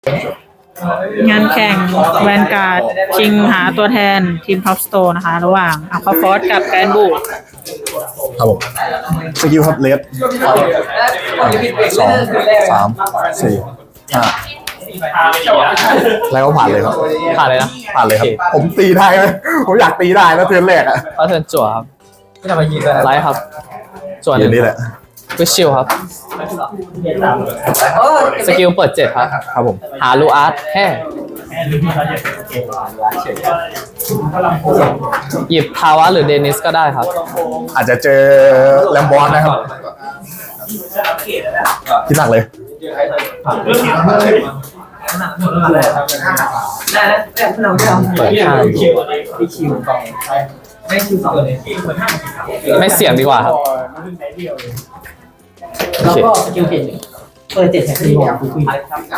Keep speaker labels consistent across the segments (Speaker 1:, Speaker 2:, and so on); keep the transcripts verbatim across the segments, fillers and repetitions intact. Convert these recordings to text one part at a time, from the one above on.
Speaker 1: งานแข่งแวนการ์ดชิงหาตัวแทนทีมท็อปสโตร์นะคะ ระหว่างอัลฟาฟอสกับแกรนบู
Speaker 2: ครับผมสกิลครับเลสสองสามสี่ห้าแล้วก็ผ่านเลยครับ
Speaker 3: ผ่านเลยนะ
Speaker 2: ผ่านเลยครับ ผมตีได้ไหมผมอยากตีได้แล้วเทิร์นแรกอะ
Speaker 3: ก็เทิร์นจั่วครับไลท์ครับจั่วห
Speaker 2: อ
Speaker 3: นึ่
Speaker 2: ย่าง งนี้แหละ
Speaker 3: วิชิลครับสกิลเปิดเจ็ดครับ
Speaker 2: ครับผม
Speaker 3: หาลูอาร์ตแค่หยิบทาวะหรือเดนิสก็ได้ครับ
Speaker 2: อาจจะเจอแลมบอสนะครับคิดหนักเลย
Speaker 3: เปิดห้าไม่เสี่ยงดีกว่าครับโอเค
Speaker 4: สกิลเปลี่ยนเปิดเจ็ดแท็กซี่ของคุย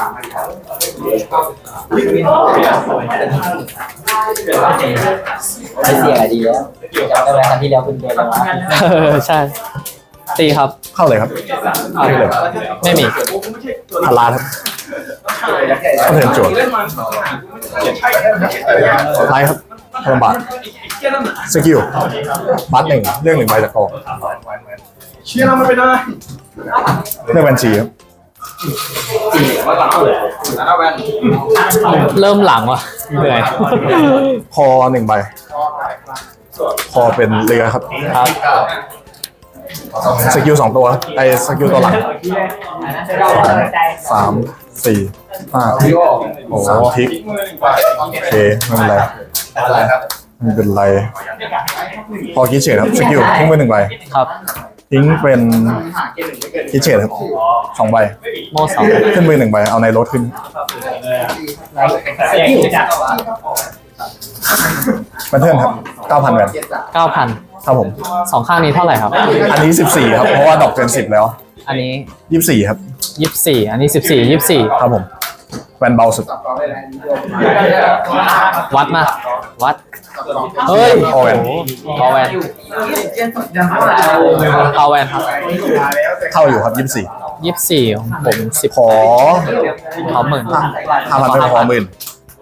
Speaker 4: ไม่เสี่ยงอะไรดีแล้วจำได้ไหมครั้งที่แล้วคุณโดนแล้ว
Speaker 3: เออใช่ ตีครับ
Speaker 2: เข้าเลยครับเข้าเลย
Speaker 3: ไม่มี
Speaker 2: พาราครับก็เทิร์นโจทย์ไลท์ครับพลังบาทสกิลบัตหนึ่งเรื่องหนึ่งใบจากกอง
Speaker 5: เชี่ยเราไม่เป็นไร
Speaker 2: เรื่องบัญชีครับ
Speaker 3: เริ่มหลังว่ะเหนื่อย
Speaker 2: คอหนึ่งใบคอเป็นเรือครับ
Speaker 3: ครับ
Speaker 2: สกิลสองตัวไอสกิลตัวหลังสามสี่ห้าโอ้สามทิกโอเคไม่เป็นไรไม่เป็นไรพอคิดเฉยครับสกิลทิ้งไปหนึ่งใบ
Speaker 3: ครับ
Speaker 2: ทิ้งเป็นคิดเฉยครับสองใบ
Speaker 3: โม่สอง
Speaker 2: ขึ้นไปหนึ่งใบเอาในรถขึ้นเป็นเทิร์นครับเก้าพันแวน
Speaker 3: เก้าพัน
Speaker 2: ครับผม
Speaker 3: สองข้างนี้เท่าไหร่ครับ
Speaker 2: อันนี้สิบสี่ครับเพราะว่าดอกเกินสิบแล้ว
Speaker 3: อันนี้
Speaker 2: ยี่สิบสี่ครับ
Speaker 3: ยี่สิบสี่อันนี้สิบสี่ยี่สิบสี่
Speaker 2: ครับผมแวนเบาสุด
Speaker 3: วัดมาวัดเฮ้ย
Speaker 2: พอแวน
Speaker 3: พอแวนพอแวนครับ
Speaker 2: เข้าอยู่ครับยี่สิบสี่
Speaker 3: ยี่สิบสี่ของผมสิบ
Speaker 2: ขอ
Speaker 3: ขอหมื่น
Speaker 2: ห้าพันเป็นพอหมื่น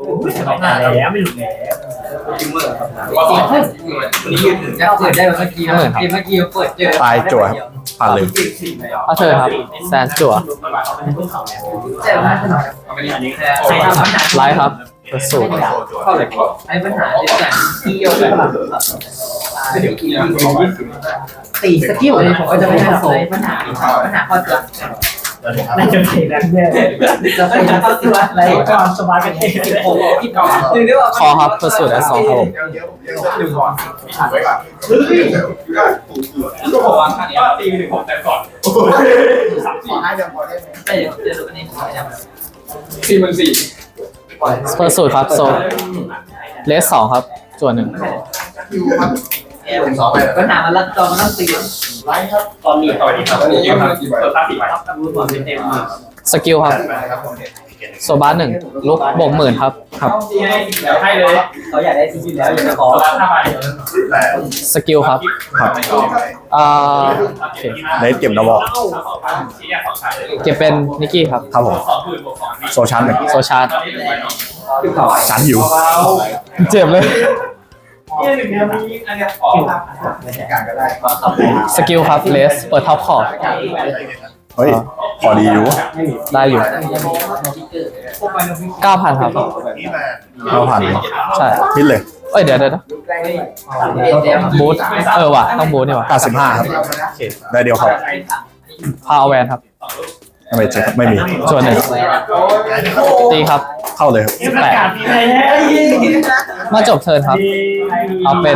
Speaker 4: เปิดได้เมื่อกี้เมื่อกี้เปิดเจอ
Speaker 2: ตายจั่วครับผ่านเลย
Speaker 3: ก็เธอครับแซนจั่วไลท์ครับเปิดสูตร
Speaker 4: ไอ้ปัญหาที่แต่ที่เกี่ยวกับตีสกิลเลยผมก็จะไม่ให้โซ่ปัญหาปัญหาข้อตัวน่าจะไปแล้วเนี่ยจะไปข้อตัวอะไรก่อนสบายกันเองผมคิดก่อนหรือได้ว่า
Speaker 3: คอครับเปิดสูตรแอสซองครับผม
Speaker 5: ตีหนึ่งผมแต่ก่อนสามสี่ห้ายังพอได้ไหม
Speaker 4: เดี๋ยวเดี๋ยวอันนี้
Speaker 5: สี่หมื่นสี่
Speaker 3: เปิดสูตรครับโซเลสสองครับจั่วหนึ่ง
Speaker 4: ปัญหามันรัดจอมันต้องตี
Speaker 5: ไลท์ครับตอนนี้ตอนนี้ตอนนี้ยืมกี่ใบตาสี่ใบครับ
Speaker 4: รู้ก่อนเป็นเต็มมือ
Speaker 3: สกิลครับโซบาร์หนึ่งลุกบวกหมื่นครับครับ
Speaker 5: ที่ให้เดี๋ยวให้เลย
Speaker 4: เขาอยากได้ซีจีแล้วอยากจะขอ
Speaker 5: ร้านห้าใบ
Speaker 3: สกิลครับ
Speaker 2: ครับ
Speaker 3: อ่าโอเค
Speaker 2: เลสเก็บดับเบิล
Speaker 3: เก็บเป็นนิกกี้ครับ
Speaker 2: ครับผมโซชาร์หนึ่ง
Speaker 3: โซชาร์ด
Speaker 2: ชาร์จหิว
Speaker 3: เจ็บเลย
Speaker 5: เนี่ยหนึ่งเนี่ยมีอันเนี้ยขอการก็ได้
Speaker 3: สกิลครับเลสเปิดท็อปคอร์ด
Speaker 2: เฮ้ยพอดีอยู่
Speaker 3: ได้อยู่เก้าพันครับ
Speaker 2: เราผ่าน
Speaker 3: ใช่
Speaker 2: พิดเลย
Speaker 3: เอ้ยเดี๋ยวเดี๋ยวนะบูทเออว่ะต้องบูทนี่ว่ะ
Speaker 2: เก้าสิบห้าครับได้เดียวครับ
Speaker 3: พาวแวนครับ
Speaker 2: ไม่เช็คครับไม่มี
Speaker 3: ส่วนหนึ่งตีครับ
Speaker 2: เข้าเลยครับ
Speaker 3: แปดเมื่อจบเทิร์นครับ เอาเป็น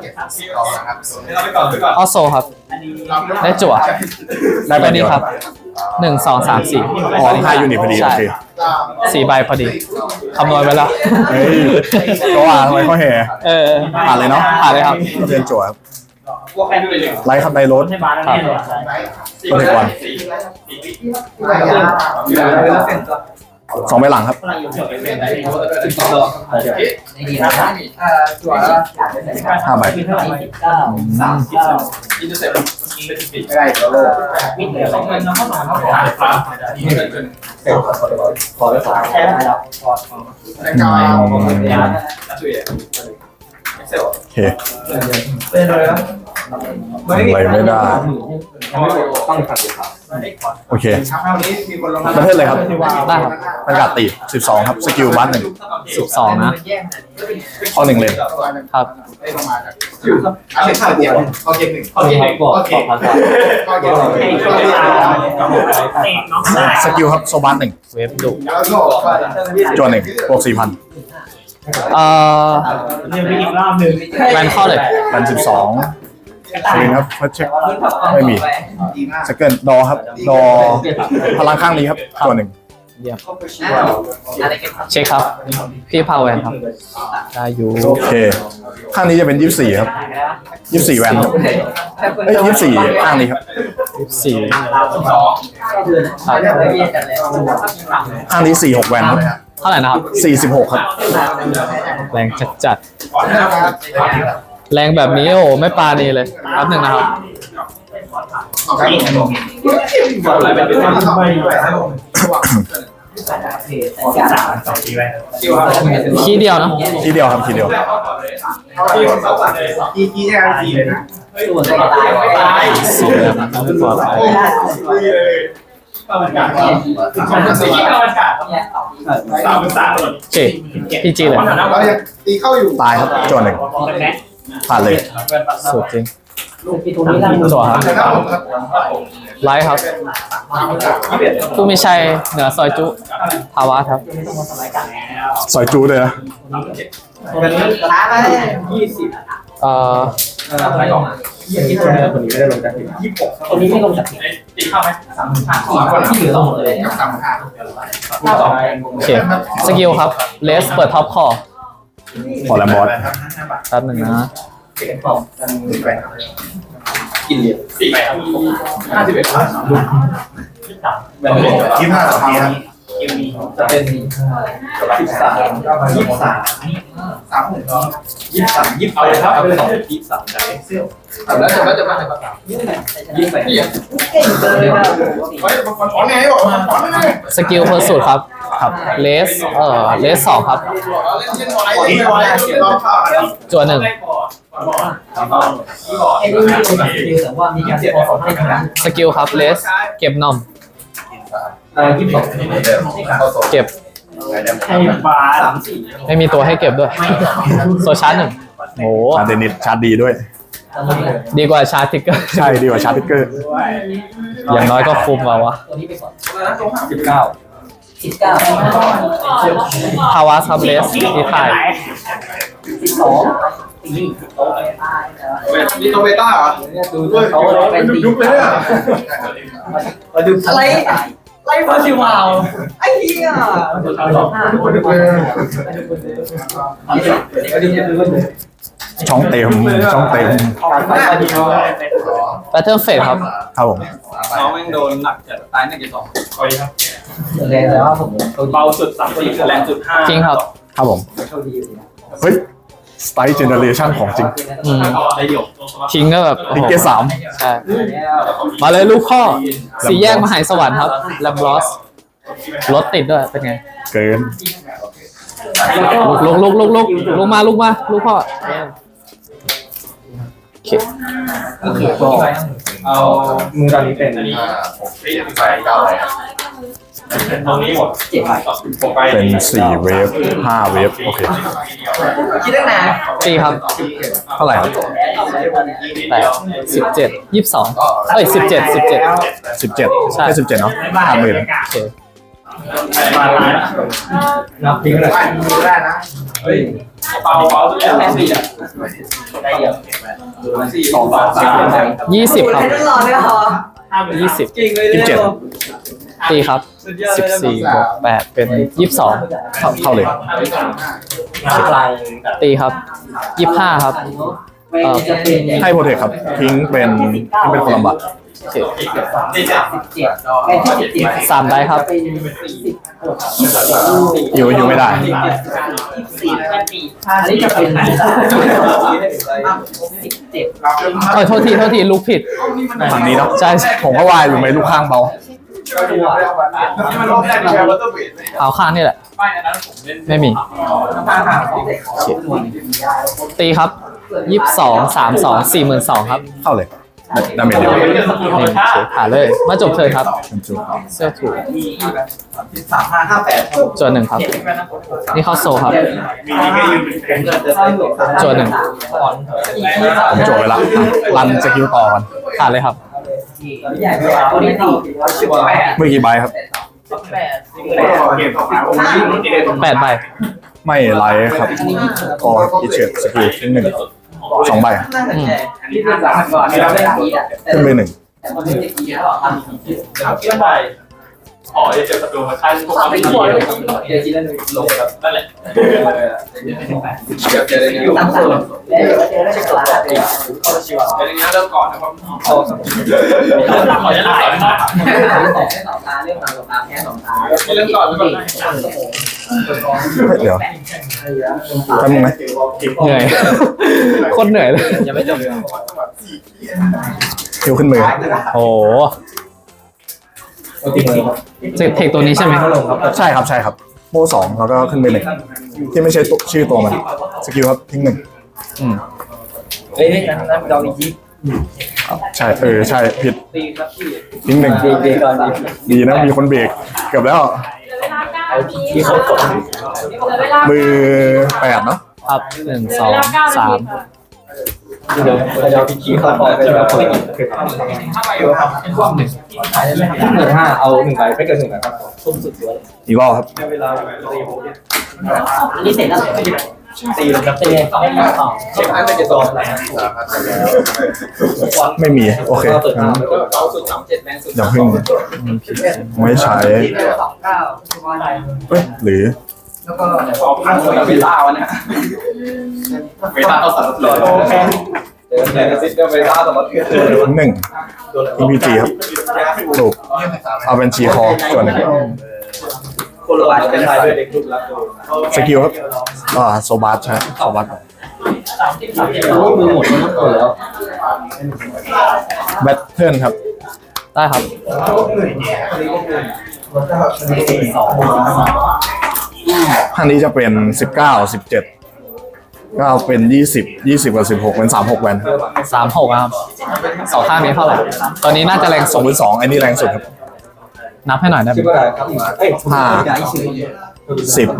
Speaker 3: ออโซครับ ได้จั่ว
Speaker 2: ได้ใบ
Speaker 3: ตัว
Speaker 2: เดี
Speaker 3: นี้
Speaker 2: ยว
Speaker 3: ครับหนึ่งสองสามสี่
Speaker 2: อ๋อห้ายูนิตพอดีโอ
Speaker 3: ใช่
Speaker 2: เค
Speaker 3: สี่ใบพอดีคำนวณไว้แล้ว
Speaker 2: เฮ้ยก็ว่าทำไมเขาแห่
Speaker 3: เออ
Speaker 2: ผ่านเลยเนาะ
Speaker 3: ผ่านเลยครับ
Speaker 2: เรียนจั่วครับ
Speaker 5: พวกใครดูเลย
Speaker 2: ไลท์ครับไดโรส
Speaker 3: ครับ
Speaker 2: ก็เทควันสองใบหลังครับ
Speaker 4: ดีนะเอ่อตัว
Speaker 2: ห้าใบ
Speaker 4: สิบเก้าสามสิบ
Speaker 5: อินเตอร์เซ็ปต์ไม่ได้ตัวโลก
Speaker 4: วินเดียวสองเงินน้องเข้ามาเข้า
Speaker 5: ผ่า
Speaker 4: มา
Speaker 5: นฟ้าที่เกิดขึ้น
Speaker 4: ขอได้สองแค่ไหนแล้ว
Speaker 5: แต่กายช่วยเซลล์
Speaker 2: โอเค
Speaker 5: เป็นเลยนะ
Speaker 2: ทำอะไรไม่ได้
Speaker 5: ต้องผ่านสิครับ
Speaker 2: โอเค
Speaker 5: คราวนี้มีคนลง
Speaker 2: ประเทศเลยครับ
Speaker 3: ได้ครับ
Speaker 2: บรรยากาศตีสิบสองครับสกิลบัสหนึ่ง
Speaker 3: สิบสองนะ
Speaker 2: ข้อหนึ่งเลน
Speaker 3: ครับ
Speaker 5: ได้ลงมาจากอันนี้ข้าวเดียวข้าวเกมหนึ่ง
Speaker 3: ข้อที่บอกขอพัน
Speaker 5: ข้าวเกมหนึ่ง
Speaker 2: สกิลครับโซบัสหนึ่ง
Speaker 3: เวฟดุ
Speaker 5: แล้วก็
Speaker 2: จวนหนึ่งบวกสี่พัน
Speaker 3: เอ่อ
Speaker 4: เนี่ยมีอีกรอบหนึ่ง
Speaker 3: แวนเข้าเลย
Speaker 2: พันสิบสองคืนครับเพื่อเช็คไม่มี
Speaker 5: ดีมาก
Speaker 2: สเกิลดอครับดอพลังข้างนี้ครับตัวหนึ่ง
Speaker 3: เยี่ยม
Speaker 4: อะไรกัน
Speaker 3: เช็คครับ พี่พาวแวนครับ ได้อยู่
Speaker 2: โอเค ข้างนี้จะเป็นยี่สิบสี่ครับยี่สิบสี่แวนครับเอ้ยยี่สิบสี่ข้างนี้ครับ
Speaker 3: สี่
Speaker 5: สอง
Speaker 3: ครับ
Speaker 2: ข้างนี้สี่หกแวนครับ
Speaker 3: เท่าไหร่นะครับ
Speaker 2: สี่สิบหกครับ
Speaker 3: แรงจัดจัด
Speaker 5: ก่อนนะครับ
Speaker 3: ๆแรงแบบนี้โอ้โหไม่ปาดีเลยแป๊บหนึ่งนะครับ
Speaker 5: อะไรเป็นเป็นไม่ไม่สองทีไว้คิวครับ
Speaker 3: คีย์เดียวนะ
Speaker 2: ทีเดียวครับทีเดียว
Speaker 5: ที่คนเขาสั่งเลยกีกีแค่ทีเลยนะ
Speaker 4: ส่วนใหญ่ตายตาย
Speaker 3: สี่แล้วไม่ปลอดภัย
Speaker 5: ข้าวมันไก่ข้าวมันสีข้าวมันไก่สามเป็นสามหมด
Speaker 3: โอเคพี่จีเลย
Speaker 5: เรายังตีเข้าอยู่
Speaker 2: ตายครับจวนหนึ่งผ่านเลย
Speaker 3: สุดจริง
Speaker 4: พี่ทูนี่นั่ง
Speaker 3: จั่วครับ
Speaker 5: ครับผมครับ
Speaker 3: ไลท์ครับผู้มีชัยเหนือซอยจุภาวะครับ
Speaker 2: ซอยจูเลยนะ
Speaker 5: วันนี้
Speaker 4: ท้าไปยี่สิบ
Speaker 3: เอ่อ
Speaker 5: อะไรก่อนยี่สิบคนนี้ไม่ได้ลงจากยี่สิบหก
Speaker 4: ตัวนี้ไม่ลงจาก
Speaker 5: ตีเข้าไหมสามห้า
Speaker 4: สี่คนที่เหลือหมดเลย
Speaker 5: กับสามห้า
Speaker 3: โอเคสกิลครับเลสเปิดท็อปคอ
Speaker 2: พอแลมบอส
Speaker 3: แป๊บหนึ่งนะ
Speaker 5: กินเหรียญสี่ไปห้าสิบเอ็ดยี่ห้าสองครับจะเป็นยี่สามยี่สามสามหนึ่งยี่สามยี่เอาเลยครับเอาเลยยี่สามได้เซี่ยวแล้วจะแล้วจะมาอะไรบ้างยี่ไปยี่เก่งเลยนะเฮ้ยมันถอนไงบอกมันถอนไง
Speaker 3: สกิลเพอร์สูตครับครับเลสเอ่อเลสสองครับจั่วหนึ่ง
Speaker 4: ไอ้นี่ไม่ลงจากคิวแต่ว่ามีการพอสองให้กัน
Speaker 3: สกิลครับเลสเก็บนอม
Speaker 4: เออยี่สิบสอง
Speaker 3: เก็บ
Speaker 4: ไอ้บาสามสี่
Speaker 3: ไม่มีตัวให้เก็บด้วยโซชาร์จหนึ่งโห
Speaker 2: ชาร์เดนิตชาร์จดีด้วย
Speaker 3: ดีกว่าชาร์จทิกเกอร์
Speaker 2: ใช่ดีกว่าชาร์จทิกเกอร์
Speaker 3: อย่างน้อยก็คุ้มมาวะ
Speaker 4: ตัวนี้ไปก่อน
Speaker 5: สิบเก้า
Speaker 4: สิบเก้า
Speaker 3: ภาวะครับเลสที่ถ่าย
Speaker 4: สิบสองตี
Speaker 5: มีตัวเบต้าเหรอ
Speaker 4: ดูด้วยเขาเป็นตี
Speaker 5: ยุบเลยเนี่ย
Speaker 4: มาดูอะไรไล่พอสิวาวไอ้เหี้ย
Speaker 5: ยุบเลย
Speaker 2: ช่องเต็มช่องเต็ม
Speaker 3: แพทเทิร์นเฟดครับ
Speaker 2: ครับผม
Speaker 5: น้องแม่งโดนหนักจัดตายหนึ่งจุดสองโอ้ยครับ
Speaker 4: เลยแต่ว่าผม
Speaker 5: เบาสุดสามสี่แรงสุดห้า
Speaker 3: จริงครับ
Speaker 2: ครับผม
Speaker 4: โชคดีอยู่นะ
Speaker 2: เฮ้ยสไตล์เจเนเรชันของจริง
Speaker 3: อืม
Speaker 5: ได้หยก
Speaker 3: ทิ้งก็แบบโอ้
Speaker 2: ลิ
Speaker 3: โห
Speaker 2: เกสาม
Speaker 3: ใช่มาเลยลูกข้อสี่แยกมหาสวรรค์ครับแลมบลอสรถติดด้วยเป็นไง
Speaker 2: เกิน
Speaker 3: ลุกลุกลุกลุกลุกลุกมาลุกมาลูกพ่อโอเค
Speaker 4: โอเคก็
Speaker 5: เอามือตอนนี้เป็นหกสี่ไปเก้าเลยตรงนี้หมด
Speaker 4: เจ็บไป
Speaker 5: ผมไป
Speaker 2: เป็นสี่เวฟห้าเวฟโอเค
Speaker 4: คิดตั้งนาน
Speaker 3: ตีครับ
Speaker 2: เท่าไหร่ครับ
Speaker 3: แปดสิบเจ็ดยี่สิบสองเอ้ยสิบเจ็ดสิบเจ็ด
Speaker 2: สิบเจ็ด
Speaker 3: ใช่
Speaker 2: แค่สิบเจ็ดเนาะห้าหมื่น
Speaker 3: โอเค
Speaker 5: มาล้าน
Speaker 4: นับทิ้งเลย
Speaker 5: ได้นะเฮ้ยเบาเบาสุดแล้วสี่อ่ะ
Speaker 4: ได้เยอะ
Speaker 5: สี่สองสามสาม
Speaker 3: ยี่สิบครับ
Speaker 4: ตลอดเลยเหรอ
Speaker 3: ยี่สิบ
Speaker 4: จริงเลย
Speaker 2: ยี่สิบเจ็ด
Speaker 3: ตีครับสิบสี่บวกแปดเป็นยี่สิบสอง
Speaker 2: เข้าเข้าเลย
Speaker 3: ตีครับยี่สิบห้าครับ
Speaker 2: ให้โปรเทคครับทิ้งเป็นทิ้งเป็นคนลำบาก
Speaker 3: โอเค
Speaker 5: สี่เจ็ด
Speaker 4: สิบเจ็ดไอ้ที่สิบเจ็ด
Speaker 3: สามได้ครับ
Speaker 4: เป็นสิบเอ
Speaker 2: อยู่อยู่ไม่ได้
Speaker 4: สี่พันปีอันนี้จะเป็นสิบเจ็ด
Speaker 3: เออโทษทีโทษทีลูกผิด
Speaker 2: ฝั่งนี้เนาะ
Speaker 3: ใช่ใช่
Speaker 2: ผมก็วายอยู่ไหมลูกข้างเบา
Speaker 3: เอาข้างนี่แหละ ไม่มี ตีครับยี่สิบสองสามสองสี่หมื่นสองครับ
Speaker 2: เข้าเลยดาเมจเดียว
Speaker 3: นี่หาเลย มาจบเธอครับ เสื้อถูก
Speaker 5: สามห้าห้าแปด
Speaker 3: จวนหนึ่งครับ นี่เข้าโซครับ จวนหนึ่ง
Speaker 2: ผมโจทย์ไปละรันสกิลต่อกัน
Speaker 3: ผ่านเลยครับ
Speaker 4: ใหญ่กว่าตัวนี้สี่สิบแปด
Speaker 2: เมื่อกี่ใบครับ
Speaker 4: แปด
Speaker 3: แปดใบ
Speaker 2: ไม่ไลท์ครับก็กิเชตสกิลทิ้งหนึ่งสองใบ
Speaker 3: อืม
Speaker 4: ที่เป็นสามพันกว่าที่เราได้รับนี้อ่ะ
Speaker 2: ขึ้นไปหนึ่ง
Speaker 4: แต่มันไม่ได้กี่แล้วอ่ะ
Speaker 5: เชื่อไปขอจะเจอศัตรูมาท่านพวกเขาไม่ดีเลย
Speaker 4: เดี๋ยวกินแล้วเลยลงครับ
Speaker 5: นั่นแหละเดี๋ยวเจอในนี้
Speaker 4: ตั้งแต่แล้วเดี๋ยวเจอได้จากหลานเลย
Speaker 5: เขาชีวะเดี๋ยวนี้เริ่มก่อนนะครับขอจะถ่ายนะ
Speaker 4: แต่แค่สองตาเรื่องสองตาแค่สองตา
Speaker 5: เริ่มก่อนเริ่มก่อน
Speaker 2: เดี๋ยวทำยังไง
Speaker 3: เหนื่อย โคตรเหนื่อยเลย
Speaker 5: ยังไม่จบ
Speaker 2: คิวขึ้นมือ
Speaker 3: โอ้โหเทคตัวนี้ใช่ไหม
Speaker 2: ใช่ครับใช่ครับโม่สองแล้วก็ขึ้นไปหนึ่งที่ไม่ใช่ตัวชื่อตัวมันสกิลครับทิ้งหนึ่ง
Speaker 3: อืม
Speaker 4: เฮ้ยนั่นนั่นดอกอีกที
Speaker 2: ใช่เออใช่ผิด
Speaker 5: ตีครับพี่
Speaker 2: ทิ้งหนึ่ง
Speaker 4: เบรกเบรกก่อนดิ
Speaker 2: ดีนะมีคนเบรกเกือบแล้ว
Speaker 4: ที่เขากด
Speaker 2: มือแปดเนาะ
Speaker 3: ครับหนึ่งสองสาม
Speaker 4: เดี๋ยวเดี๋ยวพี่ขี้เข้าไปไปแล้วเปิด
Speaker 5: ถ้าไปอยู่ครับเป็นพวกหนึ่ง
Speaker 4: ขายได้ไหมหนึ่งห้าเอาหนึ่งใบไม่เกินหนึ่งใบครับส้มสุดสวย
Speaker 2: อีกรอบครับ
Speaker 5: เวลาตีผม
Speaker 4: อันนี้เสร็จแล้ว
Speaker 5: ตีเลยครับ
Speaker 4: เต็มสองสอง
Speaker 5: เช็คอันไม่จะโดนอะไร
Speaker 2: ไม่มีโอเคงั้น
Speaker 5: แล้วก็เอาสุดสามเจ็ดแรงสุด
Speaker 2: อย่าเพิ่งไม่ใช้
Speaker 4: สองเก้า
Speaker 2: เอ้ยหรือ
Speaker 5: แล้วก็สองพันคนเวลาวันนี้เวลาเอาสารเลยเดินแรงซิสเดินเวลาตลอดเกือบ
Speaker 2: ทิ้งหนึ่งอีพีจีครับถูกเอาเป็นชีคอส่วนหนึ่ง
Speaker 5: คนละวันเป็นไทยด้วยเด็กรุ่นละ
Speaker 2: สกิลครับอ่าโซบัสใช่โซบัส
Speaker 4: มือหมดมันหมดแล้ว
Speaker 2: แบทเทิลครับ
Speaker 3: ได้ครับ
Speaker 2: ท่านนี้จะเป็นสิบเก้าสิบเจ็ดก็เป็นยี่สิบยี่สิบกับสิบหกเป็นสามหกแวน
Speaker 3: สามหกครับสองข้างนี้เท่าไหร่ ตอนนี้น่าจะแรง
Speaker 2: ส
Speaker 3: สุ
Speaker 2: อง
Speaker 3: ด
Speaker 2: หรือสองอันนี้แรงสุดครับ
Speaker 3: นับให้หน่อยได้ไหม
Speaker 5: คิดว่าอะไรครับเอ้ย
Speaker 2: ห้าสิบ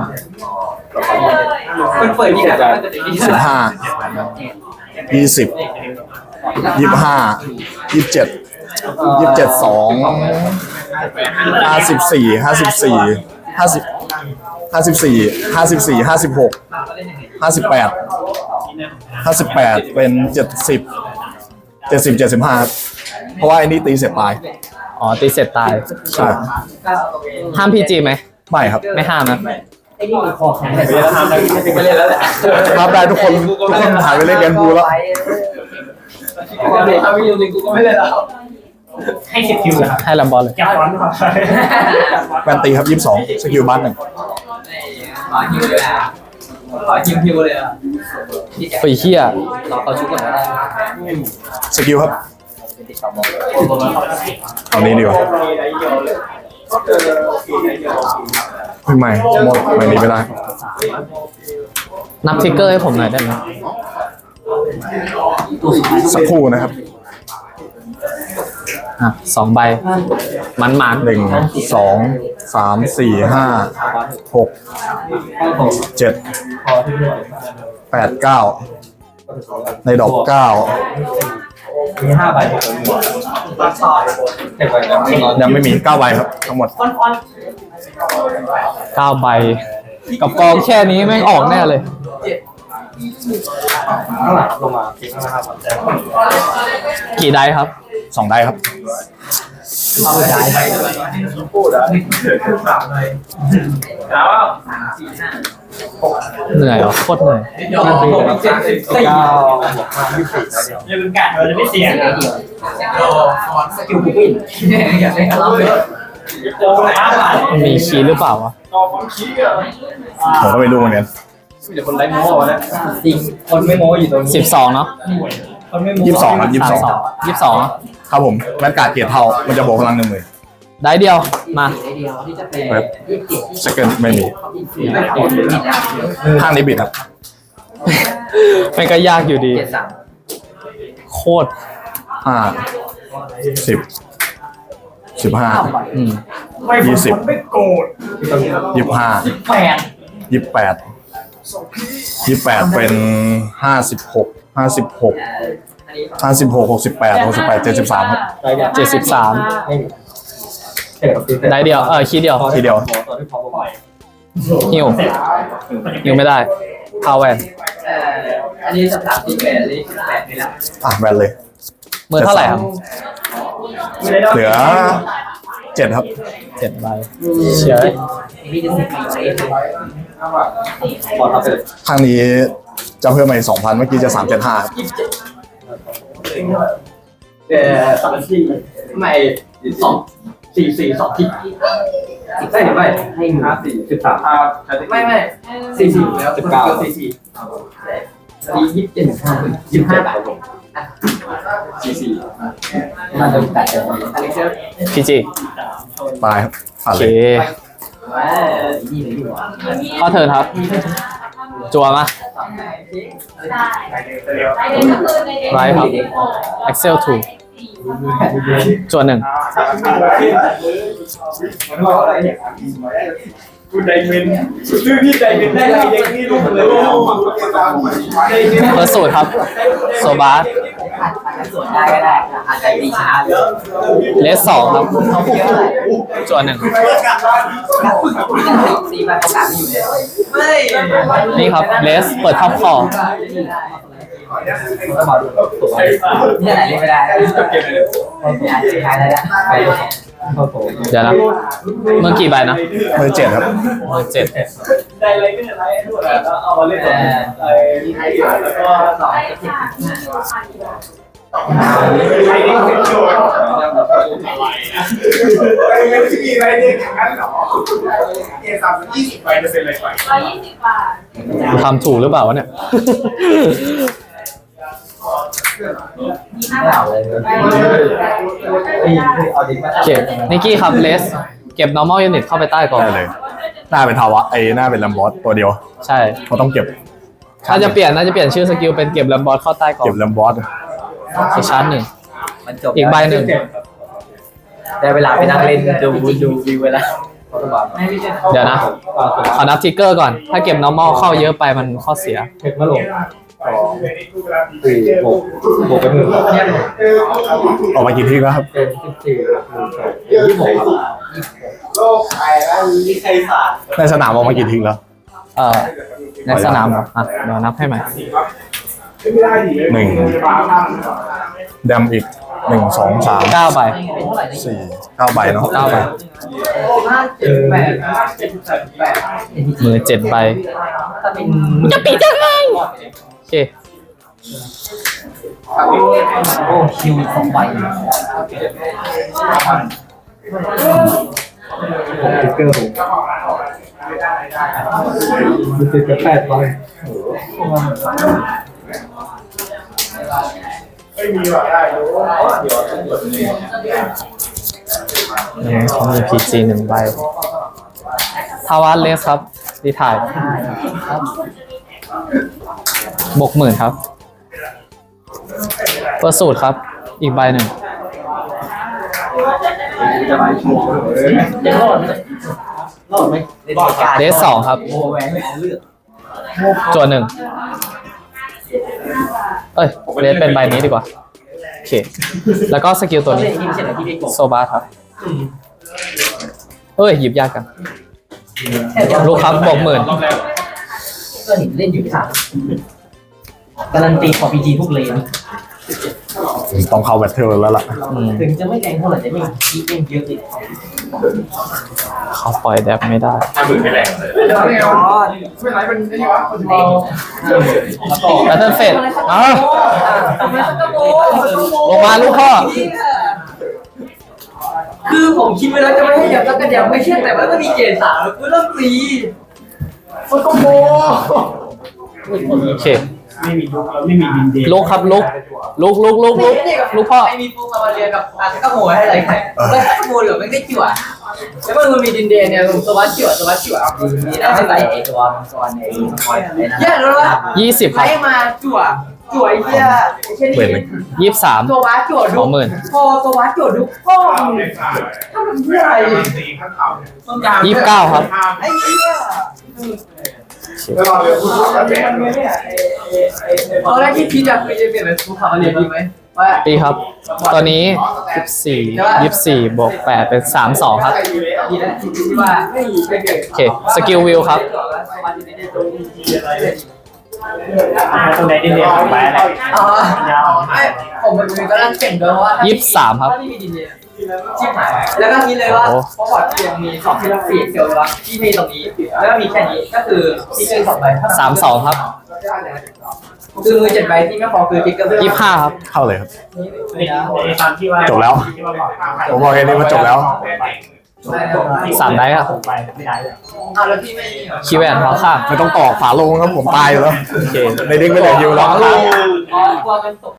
Speaker 5: เปิดที่ไหนจะ
Speaker 2: สิบห้ายี่สิบยี่ห้ายี่เจ็ดยี่เจ็ดสองห้าสิบสี่ห้าสิบสี่ห้าสิบห้าสิบสี่ห้าสิบสี่ห้าสิบหกห้าสิบแปดห้าสิบแปดเป็นเจ็ดสิบเจ็ดสิบเจ็ดสิบห้าเพราะว่าไอ้นี่ตีเสร็จตาย
Speaker 3: อ๋อ ตีเสร็จตาย
Speaker 2: ใช่
Speaker 3: ห้ามพีจีไหม
Speaker 2: ไม่ครับ
Speaker 3: ไม่ห้ามนะ
Speaker 4: ไอ้นี่มีคอแข็ง
Speaker 5: เวลาทำได้ไม่เล่นแล้วแหละ
Speaker 2: รับได้ทุกคนทุกคนหายไปเล่นแกนบูแล้ว
Speaker 5: ก็เลยทำไม่ยืนกูก็ไม่เล่นแล้ว
Speaker 4: ให้สิบคิวแล้ว
Speaker 3: ให้ลำบอลเลย
Speaker 4: จับร้อนครับ
Speaker 2: แวนตีครับยี่สิบสองสกิลบัสหนึ่ง
Speaker 4: ขอคิวเลยอ่ะขอคิวคิวเลยอ่ะ
Speaker 3: ฟรีเคีย
Speaker 4: เราเขาชุบก่อนได้
Speaker 2: สกิลครับเอานี้ดีกว่าไม่ไม่หมดไม่นี้ไม่ได้
Speaker 3: นับทริกเกอร์ให้ผมหน่อยได้ไหม
Speaker 2: สักครู่นะครับ
Speaker 3: อ่ะสองใบ มันมัน
Speaker 2: หนึ่งสองสามสี่ห้าหกเจ็ดแปดเก้าในดอกเก้า
Speaker 4: มีห้าใบ
Speaker 2: ยังไม่มีเก้าใบครับทั้งหมด
Speaker 3: เก้าใบ กับกองแค่นี้แม่งออกแน่เลย
Speaker 5: ลงมาเก่งนะครับ
Speaker 3: กี่ไดครับ
Speaker 2: สองได้ครับ
Speaker 5: พูดอ่ะสามเลยแล้ว
Speaker 3: เหนื่อยเหรอโคตรเหนื่อย
Speaker 5: เจ็ดสิบเก้ายังเป็นการเราจะไม่เสี่ยง
Speaker 4: สกิลผู้วินอยากเล่นกับเราเลย
Speaker 3: มีคีย์หรือเปล่าวะ
Speaker 2: ผมก็ไม่รู้เหมือนกัน
Speaker 5: เดี๋ยวคนไร้โม้นะ
Speaker 4: จริงคนไม่โม้อยู่ตรงนี้
Speaker 3: สิบสองเนาะ
Speaker 4: คนไม่โม้
Speaker 2: ยี่สิบสองครับยี่สิบสอง
Speaker 3: ยี่สิบสอง
Speaker 2: ครับผมแวนการ์ดเกียรติเท่ามันจะบวกพลังหนึ่งหมื่น
Speaker 3: ได้เดียวมา
Speaker 4: เดียวที่จะเป็น
Speaker 2: เว็บ
Speaker 4: ยี่สิบ
Speaker 2: สเกิลไม่มีข้างนี้บิดครับ
Speaker 3: มันก็ยากอยู่ดี
Speaker 4: เจ็ดสาม
Speaker 3: โคตร
Speaker 2: ห้าสิบสิบห้า
Speaker 3: อืม
Speaker 2: ยี่สิบยี่สิบห้า
Speaker 4: แปด
Speaker 2: ยี่สิบแปดยี่สิบแปดเป็นห้าสิบหกห้าสิบหกห้าสิบหกหกสิบแปดหกสิบแปดเจ็ดสิบสามครับ
Speaker 3: เจ็ดสิบสามได้เดียวเออคีย์เดียว
Speaker 2: ทีเดียว
Speaker 3: หิวหิวไม่ได้พาวแวน
Speaker 4: เอ่ออันนี้สามที่แปดอันนี้แปดนี่แหละ
Speaker 2: อ่ะแวนเลย
Speaker 3: มือเท่าไหร่ครับ
Speaker 2: เหลือเจ็ดครับ
Speaker 3: เจ็ดใบเฉย
Speaker 4: อันนี้จะสิบปีเอง
Speaker 5: ขอทับไปเลย
Speaker 2: ข้างนี้จะเพิ่มมาอีกสองพันเมื่อกี้จะสามเจ็ดห้า
Speaker 5: เออสามสี่ไม่สองสี่สี่สองที่ใช่หรือไม่ให้ห้าสี่สิบสามห้าไม่ไม่สี่สี่แล้วสิบเก้าสี่สี่สี่ยี่สิบเจ็ดยี่สิบห้าบาทสี่สี่มันจะแปดอันนี้เชื่อ
Speaker 3: พีจี
Speaker 2: ตายครับผ่าน
Speaker 3: โอ
Speaker 2: เล
Speaker 3: เค
Speaker 2: ย
Speaker 4: ว่านี่เลยดีกว่า
Speaker 3: ข้อเทิร์นครับ จัวมาไรครับ Excel ทูจัวหนึ่ง
Speaker 5: คุณไดเมนชื่อพี่ไดเมนได้ไรยังนี่ลูกเลย
Speaker 3: เบอร์สูตรครับ โซบาส
Speaker 4: อาจจะสวนได้ก็ได้อาจจะดีช้าเลย
Speaker 3: เลสสองครับ
Speaker 4: เขาเยอะเลย
Speaker 3: จัวหนึ่ง
Speaker 4: สี่ใบประกาศไม่อยู่เลยไม่
Speaker 3: นี่ครับ เลส เปิดท็อปคอ
Speaker 4: นี่ไหนเล่นไม่ได้ใช้ได้แล้วไป
Speaker 3: เดี๋ยวนะเมื่อกี่ใบนะ
Speaker 2: มือเจ็ดครับ
Speaker 3: เมื่อเจ็ด
Speaker 5: ได้ไรก็ได้ด้วยแล้วเอามาเล่นไอ้แล้วก็
Speaker 4: สองสิบ
Speaker 5: ไอ้นี่เป็นโจทย์ไม่มีอะไรเด็กอย่างนั้นหรอเอสามยี่สิบใบจะเป็นอะไรไป
Speaker 6: ร้อยยี่สิบบาท
Speaker 3: ทำถูกหรือเปล่าวะเนี่ย
Speaker 4: ไม่เอาเลย
Speaker 5: เอาดิมา
Speaker 3: เก็บนิกกี้ครับ เลส เก็บ normal unit เข้าไปใต้กล่อง
Speaker 2: ได้เลย หน้าเป็นทาวะไอ้หน้าเป็นลัมบอสตัวเดียว
Speaker 3: ใช่
Speaker 2: เขาต้องเก็บ
Speaker 3: ถ้าจะเปลี่ยนน่าจะเปลี่ยนชื่อสกิลเป็นเก็บแลมบอสเข้าใต้กล่อง
Speaker 2: เก็บลัมบอส
Speaker 3: อีกชั้นหนึ่ง
Speaker 4: มันจบ
Speaker 3: อีกใบหนึ่ง
Speaker 4: ได้เวลาไปนั่งเล่นดูดูวิวเวลา
Speaker 3: เดี๋ยวนะ ขอนับทิกเกอร์ก่อน ถ้าเก็บ normal เข้าเยอะไปมันข้อเสีย
Speaker 5: เห็ดมาลงสี่หกหกเป็นหนึ่ง
Speaker 2: ออกมากี่ทีแล้วครับ
Speaker 5: เป็นสิบสี่ยี่สิบหกโลกใครแล้วมีใครสาด
Speaker 2: ในสนามออกมากี่ทีแล้ว
Speaker 3: เอ่อ ในสนามเหรออ่ะเดี๋ยวนับให้ใหม่
Speaker 2: หนึ่งแดมอีกหนึ่งสองสาม
Speaker 3: เก้าใบ
Speaker 2: สี่เก้าใบเนาะ
Speaker 3: เก้าใบ
Speaker 4: ห้าเจ็ดแปดเจ็ดแปด
Speaker 3: มือเจ็ดใบ
Speaker 4: ถ้าเป็น
Speaker 3: จะปิดยังไงโอเค
Speaker 4: โอ้คิวสองใบ
Speaker 5: ผมติ๊กเกอร์ผมมีสิบแปดใบไม่มีหรอกได้รู้เดี๋ยวต้องกดนี่
Speaker 3: หนึ่งเขามีพีจีหนึ่งใบ ทาวานเลสครับ ดีถ่ายบวกหมื่นครับ เปิดสูตรครับ อีกใบหนึ่ง
Speaker 5: จะไปโชว์เลย
Speaker 4: ยังรอดไหมรอดไหม
Speaker 3: เลสสองครับ
Speaker 4: โอ้แหวนเลือก
Speaker 3: จวนหนึ่ง เอ้ยเลสเป็นใบนี้ดีกว่า โอเค แล้วก็สกิลตัว
Speaker 4: เล่
Speaker 3: นี้
Speaker 4: นที่ไม่ใช่ไหนที่ไม่กด
Speaker 3: โซบาครับ เอ้ย หยิบยากกัน ลูกครับบวกหมื่น
Speaker 4: ก็เห็นเล่นอยู่สามการันตีของพีจีทุกเลน
Speaker 2: ต้องเข้าแบทเทิลแล้วล่ะ
Speaker 3: อืม
Speaker 4: ถึงจะไม่แรงเท่าไหร่แต่ไม่คีเล่นเยอะเลย
Speaker 3: เขาปล่อยแดบไม่ได้
Speaker 5: ห้าหมื่นไม่แรงเลยไม่เอาไม่ไรเป็นไอ้นี่วะคนที่แล้วก็
Speaker 3: แบตเทิลเฟสอ้าวลงมาลูกพ่อ
Speaker 4: คือผมคิดไว้แล้วจะไม่ให้ยับแล้วก็ยับไม่เชื่อแต่ว่าก็มีเกณฑ์สามคือเริ่มตี
Speaker 2: มันก็โม
Speaker 3: โอเค
Speaker 5: ไม่มีลุกไม่มีดินเดน
Speaker 3: ลุกครับลุกลุกลุกลุกลุกลุกพ่อ
Speaker 4: ไอ้มีฟูมาเรียกับอาร์ตก็โมให้อะไรใครแล้วถ้าโมเหลือไม่ได้จั่วแล้วมันมีดินเดนเนี่ยสวัสดิ์จั่วสวัสดิ์จั่วมีได้ใส่ไอ้ตัวตัวนี้แย่แล้วว่า
Speaker 3: ยี่สิบครับ
Speaker 4: ไล่มาจั่วจั่วไอ้เหี้ยเช่น
Speaker 2: เปิดเลย
Speaker 3: ยี่สิบสาม
Speaker 4: ตัววัดจั่วดุพอตัววัดจั่วดุพ่อถ้ามันเหี้ยอะไร
Speaker 3: ยี่สิบเก้าครับ
Speaker 4: ไอ้เหี้ยตอนแรกที่คิดอะคือจะเปลี่ยนเป็นฟูคามาเรียดีไหมว่า
Speaker 3: ตีครับ ตอนนี้ยี่สิบสี่ยี่สิบสี่บวกแปดเป็นสามสองครับ
Speaker 4: ดีนะที่ว่าไม่ไม่เกิด
Speaker 3: โอเค สกิลวิวครับ
Speaker 5: ตรงไหนดินเดนไปอะไร
Speaker 4: อ๋อไม่ผมมันมีตอนแรกเก่งด้วยว่า
Speaker 3: ยี่สิบสามครับ
Speaker 4: ถ้าไม่มีดินเดียชิบหายแล้วก็คิดเลยว่าเพราะบอร์ดเพียงมีสองที่สี่เซลล์แล้วที่มีตรงนี้แล้วก็มีแค่นี้ก็คือที่เป็นสองใบ
Speaker 3: สามสองครับ
Speaker 4: คือมือเจ็ดใบที่ไม่พอคือติ๊กเกอร์
Speaker 3: ยี่สิบห้าครับ
Speaker 2: เข้าเลยครับ
Speaker 5: ในตามที่ว่า
Speaker 2: จบแล้ว ผมบอกแค่นี้ว่าจบแล้ว
Speaker 3: สามได้ครับ
Speaker 5: ไปไม่ได้
Speaker 4: อ้าวแล้วพี่ไม่
Speaker 3: คีย์แวนพอค่ะ
Speaker 2: ไม่ต้องตอกฝาโลงครับผมตายอยู่แล้ว
Speaker 3: โอเค
Speaker 2: ในเด็กไม่เหลืออยู่แล้ว
Speaker 4: อ๋อกลัวมันตก